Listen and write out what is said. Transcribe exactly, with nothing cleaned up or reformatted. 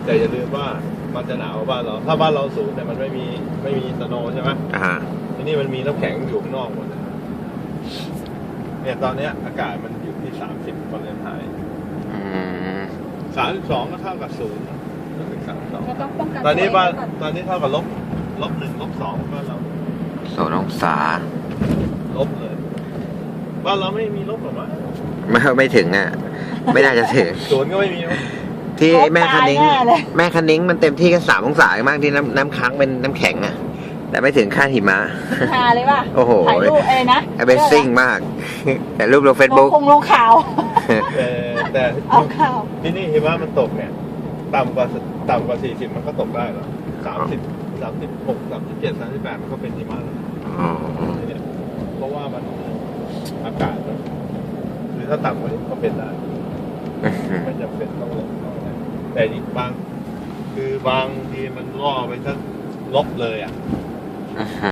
แต่อย่าลืมว่ามันจะหนาวกว่าบ้านเราถ้าบ้านเราสูงแต่มันไม่มีไม่มีสโนว์ใช่ไหมอ่าที่นี่มันมีน้ำแข็งอยู่ข้างนอกหมดเลยเนี่ยตอนเนี้ยอากาศมันอยู่ที่สามสิบฟาเรนไฮต์อืมสามสิบสองก็เท่ากับศูนย์ก็ถึงสามสิบสองก็ต้องป้องกันตอนนี้บ้านตัวเองไว้ก่ตอนนี้เท่ากับลบลบหนึ่งลบสองบ้านเราศูนย์องศาลบเลยบ้านเราไม่มีลบหรอกมั้งไม่ไม่ถึงอ่ะ ไม่น่าจะถึงศูนย์ก็ไม่มีมั้งที่แม่คันนิ้งตายแน่เลยแม่คันนิ้งมันเต็มที่ก็สามองศามากที่น้ำน้ำค้างเป็นน้ำแข็งอ่ะ แต่ไม่ถึงค่าหิมะทาเลยป่ะโอ้โหถ่ายรูปเอ้นะ Amazing มาก แต่รูปลงเฟซลงบุ๊กคงลงข่าวแต่แต่เอาข่าวที่นี่หิมะมันตกเนี่ยต่ำกว่าต่ำกว่าสี่สิบมันก็ตกได้หรอสามสิบสามสิบหกสามสิบเจ็ดสามสิบแปดมันก็เป็นหิมะแล้วอ๋อเนี่ยเพราะว่ามันอากาศมันหรือถ้าต่ำกว่านี้ก็เป็นได้ไม่จำเป็นต้องลบต้องอะไรแต่อีกบางคือบางทีมันล่อไปสักลบเลยอ่ะ